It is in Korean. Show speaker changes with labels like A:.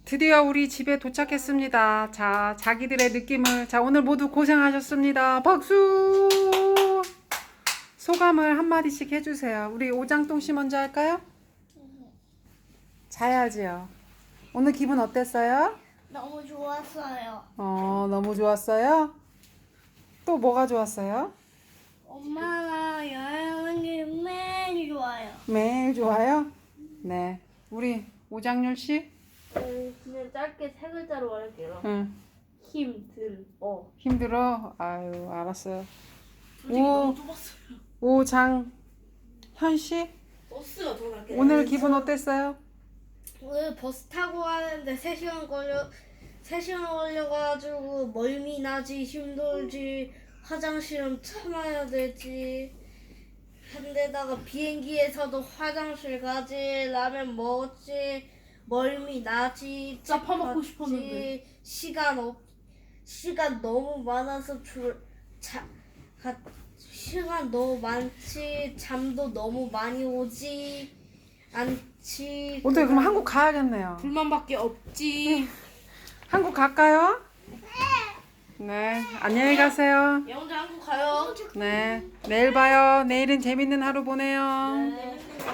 A: 드디어 우리 집에 도착했습니다. 자, 자기들의 느낌을. 자, 오늘 모두 고생하셨습니다. 박수! 소감을 한마디씩 해주세요. 우리 오장동 씨 먼저 할까요? 자야지요. 오늘 기분 어땠어요?
B: 너무 좋았어요.
A: 너무 좋았어요? 또 뭐가 좋았어요?
B: 엄마랑 여행하는 게 매일 좋아요.
A: 매일 좋아요? 네. 우리 오장률 씨?
C: 그냥 짧게 세 글자로 말할게요.
A: 응.
C: 힘들어.
A: 힘들어? 아유, 알았어요.
C: 솔직히 너무 좁았어요.
A: 오장현 씨?
C: 버스가 더 낫게.
A: 오늘 기분 어땠어요?
B: 오늘 버스 타고 가는데 3시간 걸려가지고 멀미 나지, 힘들지, 화장실은 참아야 되지. 한데다가 비행기에서도 화장실 가지, 라면 먹었지, 멀미 나지,
C: 짜 파먹고
B: 책 봤지,
C: 싶었는데.
B: 시간 너무 많아서 시간 너무 많지, 잠도 너무 많이 오지 않지.
A: 오늘 그럼 한국 가야겠네요.
C: 불만밖에 없지.
A: 한국 갈까요? 네. 안녕히 가세요.
C: 얘 혼자 한국 가요.
A: 네. 내일 봐요. 내일은 재밌는 하루 보내요.
C: 네.